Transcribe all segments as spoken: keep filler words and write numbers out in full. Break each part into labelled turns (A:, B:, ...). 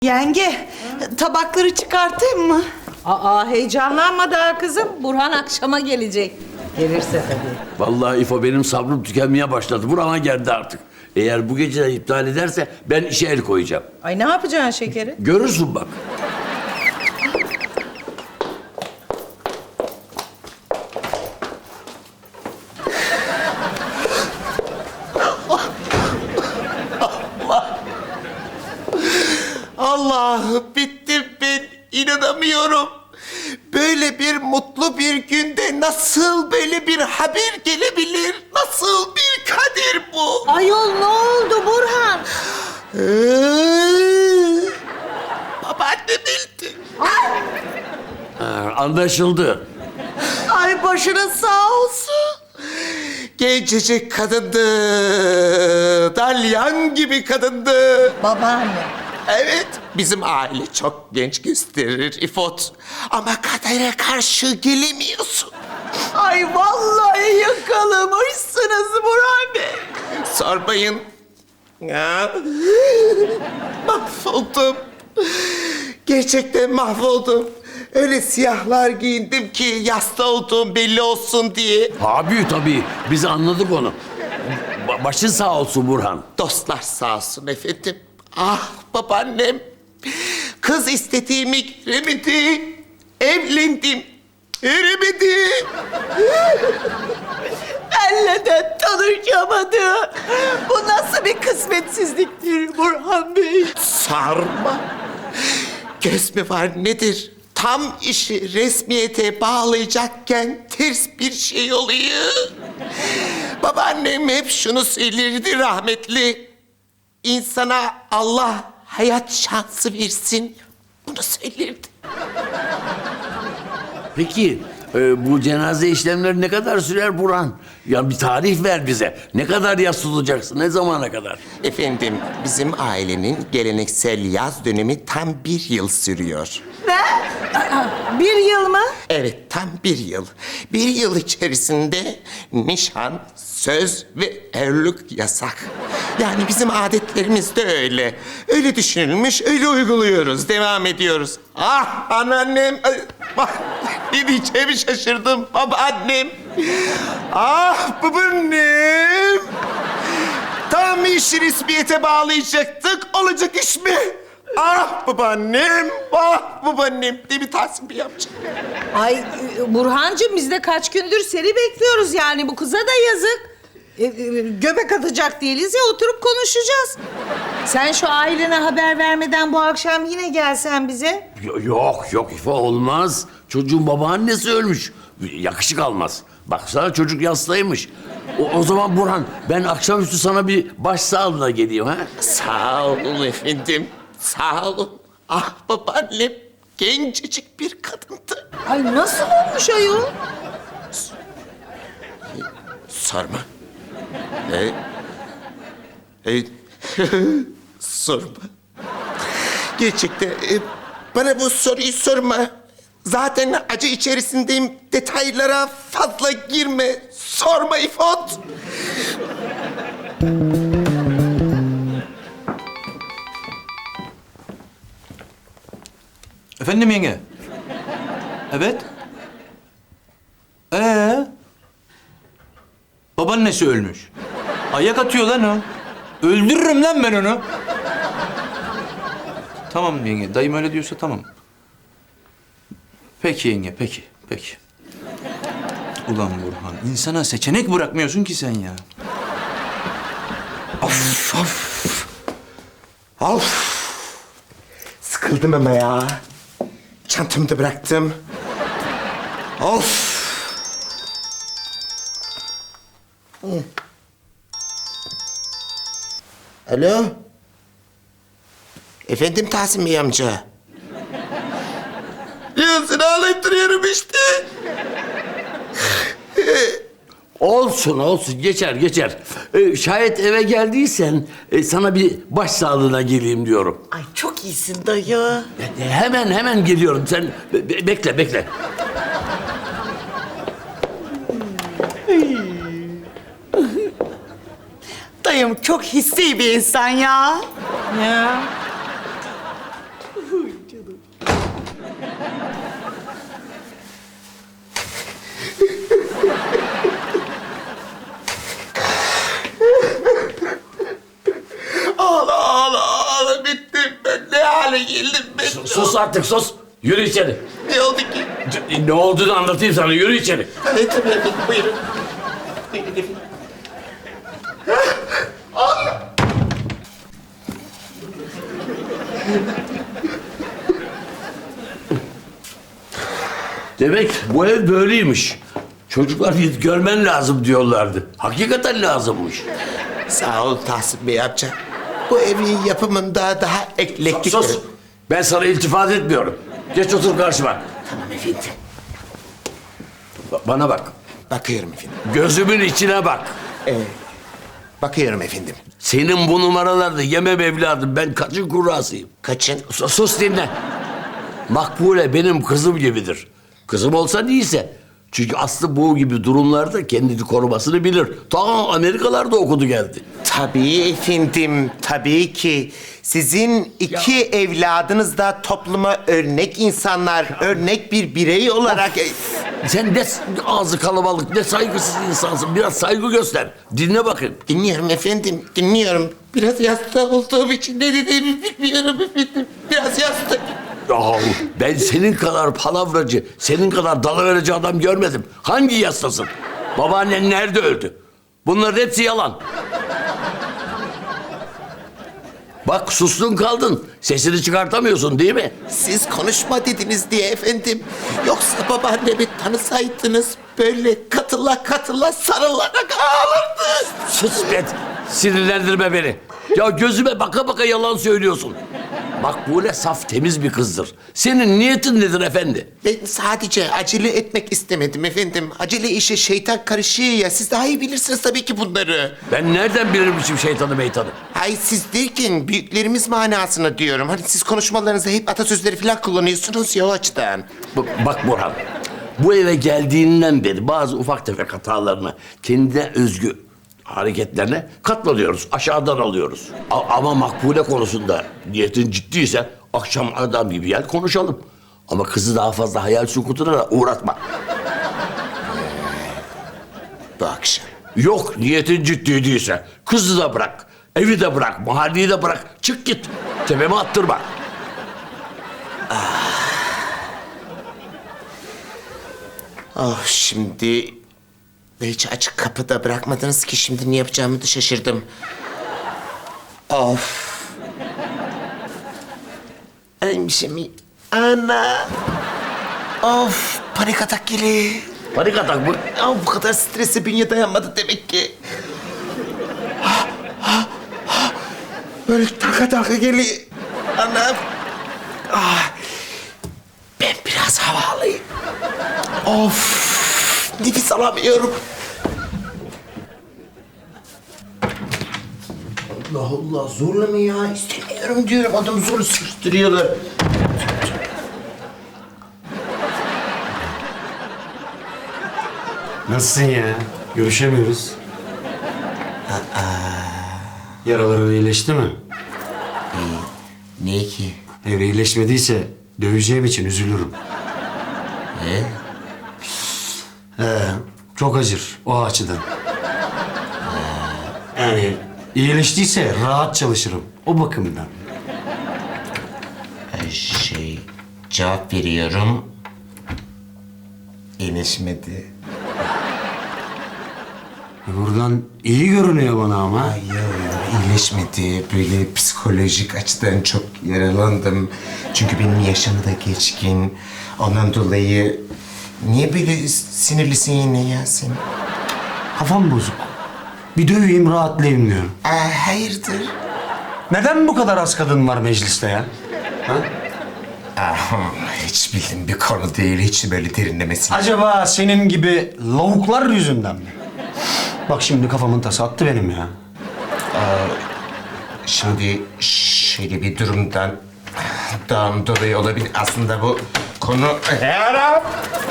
A: Yenge, tabakları çıkartayım mı?
B: Aa, heyecanlanma daha kızım. Burhan akşama gelecek. Gelirse tabii.
C: Vallahi İfo benim sabrım tükenmeye başladı. Burama geldi artık. Eğer bu gece de iptal ederse ben işe el koyacağım.
B: Ay ne yapacaksın şekeri?
C: Görürsün bak.
D: Allah'ım bittim ben. İnanamıyorum. Böyle bir mutlu bir günde nasıl böyle bir haber gelebilir? Nasıl bir kader bu?
B: Ayol ne oldu Burhan?
D: Ee, Babaannem öldü.
C: Ha, anlaşıldı.
A: Ay başına sağ olsun.
D: Gencecik kadındı. Dalyan gibi kadındı.
B: Babaanne.
D: Evet, bizim aile çok genç gösterir İfot. Ama kadere karşı gelemiyorsun.
A: Ay vallahi yakalamışsınız Burhan Bey.
D: Sormayın. Ya. Mahvoldum. Gerçekten mahvoldum. Öyle siyahlar giyindim ki yasta olduğum belli olsun diye.
C: Abi tabii biz anladık onu. Ba- başın sağ olsun Burhan.
D: Dostlar sağ olsun efendim. Ah babaannem. Kız istediğimi giremedi. Evlendim. Giremedim.
A: Benle de tanışamadı. Bu nasıl bir kısmetsizliktir Burhan Bey?
D: Sarma. Göz mü var nedir? Tam işi resmiyete bağlayacakken ters bir şey oluyor. Babaannem hep şunu söylerdi rahmetli. İnsana Allah hayat şansı versin. Bunu söylerdi.
C: Peki e, bu cenaze işlemleri ne kadar sürer Burhan? Ya bir tarih ver bize. Ne kadar yas tutacaksın? Ne zamana kadar?
D: Efendim, bizim ailenin geleneksel yaz dönemi tam bir yıl sürüyor.
B: Bir yıl mı?
D: Evet, tam bir yıl. Bir yıl içerisinde nişan, söz ve evlilik yasak. Yani bizim adetlerimiz de öyle. Öyle düşünülmüş, öyle uyguluyoruz, devam ediyoruz. Ah anneannem, ay, bak ne diyeceğimi şaşırdım. Babaannem, ah babaannem. Tam işi resmiyete bağlayacaktık, olacak iş mi? Ah babaannem, ah babaannem diye bir Tahsin Bey yapacak.
B: Ay e, Burhancığım biz de kaç gündür seni bekliyoruz yani bu kıza da yazık. E, e, göbek atacak değiliz ya oturup konuşacağız. Sen şu ailene haber vermeden bu akşam yine gelsen bize.
C: Yo- Yok yok İfo olmaz. Çocuğun babaannesi ölmüş. Yakışık almaz. Baksana çocuk yastaymış. O, o zaman Burhan ben akşamüstü sana bir başsağlığına geleyim ha.
D: Sağ olun efendim, sağ olun. Ah babaannem, gencecik bir kadındı.
B: Ay nasıl olmuş ayol?
D: Sorma. E, e, sorma. Gerçekten e, bana bu soruyu sorma. Zaten acı içerisindeyim. Detaylara fazla girme. Sorma İfot.
E: Efendim yenge? Evet. Ee? Babaannesi ölmüş. Ayak atıyor lan o. Öldürürüm lan ben onu. Tamam yenge. Dayım öyle diyorsa tamam. Peki yenge, peki, peki. Ulan Burhan, insana seçenek bırakmıyorsun ki sen ya.
D: Of of. Of. Sıkıldım ama ya. Çantamı da bıraktım. Of. Hı. Alo. Efendim Tahsin Bey amca. Ya seni ağlayıp duruyorum işte.
C: Olsun olsun geçer geçer. Ee, şayet eve geldiysen e, sana bir başsağlığına geleyim diyorum.
A: Ay çok iyisin dayı.
C: E, hemen hemen geliyorum sen be- be- bekle bekle.
A: Dayım çok hissi bir insan ya.
B: Ya
D: geldim ben.
C: Sus artık sus. Yürü içeri.
D: Ne oldu ki?
C: C- Ne olduğunu anlatayım sana. Yürü içeri.
D: Evet tabii efendim, buyurun. Buyurun efendim.
C: Demek bu ev böyleymiş. Çocuklar git görmen lazım diyorlardı. Hakikaten lazımmış.
D: Sağ ol Tahsin Bey amca. Bu evin yapımında daha eklektik...
C: Sus. Ben sana iltifat etmiyorum. Geç otur karşıma.
D: Tamam efendim.
C: Ba- Bana bak.
D: Bakıyorum efendim.
C: Gözümün içine bak.
D: Evet. Bakıyorum efendim.
C: Senin bu numaralarda yemem evladım. Ben kaçın kurrasıyım.
D: Kaçın?
C: Sus, sus dinle. Makbule benim kızım gibidir. Kızım olsa değilse. Çünkü Aslı bu gibi durumlarda kendini korumasını bilir. Ta Amerikalarda okudu geldi.
D: Tabii efendim, tabii ki. Sizin iki evladınız da topluma örnek insanlar, örnek bir birey olarak...
C: Sen ne ağzı kalabalık, ne saygısız insansın. Biraz saygı göster. Dinle bakın.
D: Dinliyorum efendim, dinliyorum. Biraz yasta olduğum için ne dediğimi bilmiyorum efendim. Biraz yasta.
C: Yahu ben senin kadar palavracı, senin kadar dalıverici adam görmedim. Hangi yastasın? Babaannen nerede öldü? Bunların hepsi yalan. Bak sustun kaldın. Sesini çıkartamıyorsun değil mi?
D: Siz konuşma dediniz diye efendim. Yoksa babaannemi tanısaydınız böyle katıla katıla sarılarak ağlardı.
C: Sus be. Sinirlendirme beni. Ya gözüme baka baka yalan söylüyorsun. Makbule saf temiz bir kızdır. Senin niyetin nedir efendi?
D: Ben sadece acele etmek istemedim efendim. Acele işe şeytan karışıyor ya. Siz daha iyi bilirsiniz tabii ki bunları.
C: Ben nereden bilirmişim şeytanı meytanı?
D: Hayır siz derken büyüklerimiz manasına diyorum. Hani siz konuşmalarınızda hep atasözleri falan kullanıyorsunuz ya o açıdan.
C: B- Bak Burhan, bu eve geldiğinden beri bazı ufak tefek hatalarına, kendine özgü hareketlerine katlanıyoruz, aşağıdan alıyoruz. A- ama Makbule konusunda niyetin ciddiyse akşam adam gibi gel konuşalım. Ama kızı daha fazla hayal sukutuna da uğratma.
D: Bu akşam.
C: Yok niyetin ciddi değilse kızı da bırak, evi de bırak, mahalleyi de bırak. Çık git, tepeme attırma.
D: Oh şimdi... Hiç açık kapıda bırakmadınız ki şimdi ne yapacağımı da şaşırdım. Of. Neymiş mi? Ana. Of panik atak geliyor.
C: Panik atak mı?
D: Ya bu kadar strese bünye dayanmadı demek ki. Ha, ha, ha. Böyle taka taka geliyor. Anam. Ah. Ben biraz hava alayım. Of. Nefes alamıyorum. Allah Allah zorla mı ya? İstemiyorum diyorum. Adamı zorla sıkıştırıyorlar.
F: Nasılsın ya? Görüşemiyoruz. Yaraların iyileşti mi?
D: Niye ki?
F: Eğer iyileşmediyse döveceğim için üzülürüm.
D: Ne?
F: He, çok acır o açıdan. Yani iyileştiyse rahat çalışırım o bakımdan.
D: Şey, cevap veriyorum. İyileşmedi.
F: Buradan iyi görünüyor bana ama.
D: Ay ya, ya, iyileşmedi. Böyle psikolojik açıdan çok yaralandım. Çünkü benim yaşım da geçkin. Ondan dolayı... Niye böyle sinirlisin yine ya sen?
F: Kafam bozuk. Bir döveyim rahatlayayım diyorum.
D: Aa, hayırdır?
F: Neden bu kadar az kadın var mecliste ya? Ha?
D: Ah, hiç bildiğim bir konu değil. Hiç böyle derinlemesin.
F: Acaba senin gibi lavuklar yüzünden mi? Bak şimdi kafamın tası attı benim ya.
D: Şimdi şöyle bir durumdan... ...dan dolayı olabilir. Aslında bu konu... Yarab!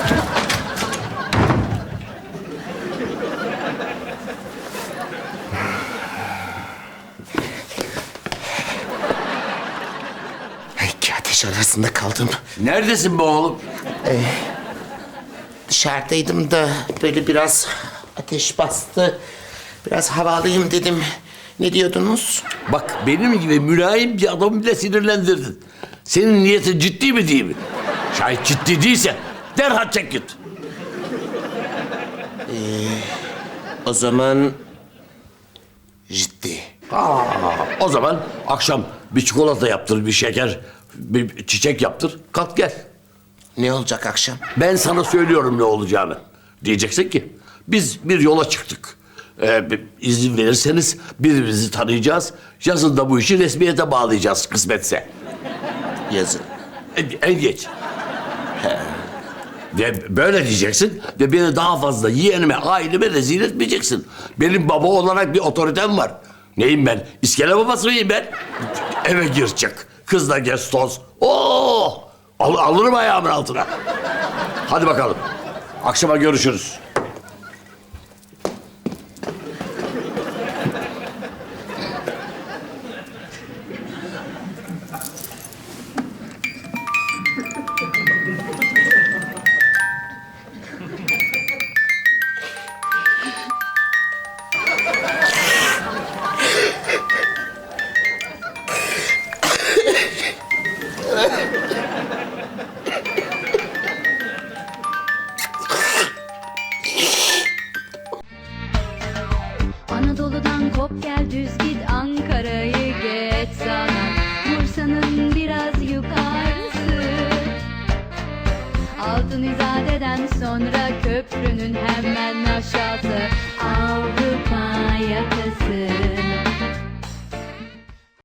D: İki ateş arasında kaldım.
C: Neredesin be oğlum?
D: Dışarıdaydım da böyle biraz ateş bastı. Biraz hava alayım dedim. Ne diyordunuz?
C: Bak benim gibi mülayim bir adamı bile sinirlendirdin. Senin niyetin ciddi mi değil mi? Şayet ciddi değilse derhal çek git.
D: O zaman ciddi.
C: Aa, o zaman akşam bir çikolata yaptır, bir şeker, bir çiçek yaptır. Kalk gel.
D: Ne olacak akşam?
C: Ben sana söylüyorum ne olacağını. Diyeceksin ki biz bir yola çıktık. Ee, bir izin verirseniz birbirimizi tanıyacağız. Yazın da bu işi resmiyete bağlayacağız kısmetse.
D: Yazın.
C: En, en geç. Ve böyle diyeceksin ve beni daha fazla yeğenime, aileme rezil etmeyeceksin. Benim baba olarak bir otoritem var. Neyim ben? İskele babası mıyım ben? Eve gir çık. Kızla gez toz. Oo! Al, alırım ayağımın altına. Hadi bakalım. Akşama görüşürüz.
G: Anadolu'dan kop gel düz git, Ankara'yı geç sana, Bursa'nın biraz yukarısı. Altın İzade'den sonra köprünün hemen aşağısı, Avrupa yakası.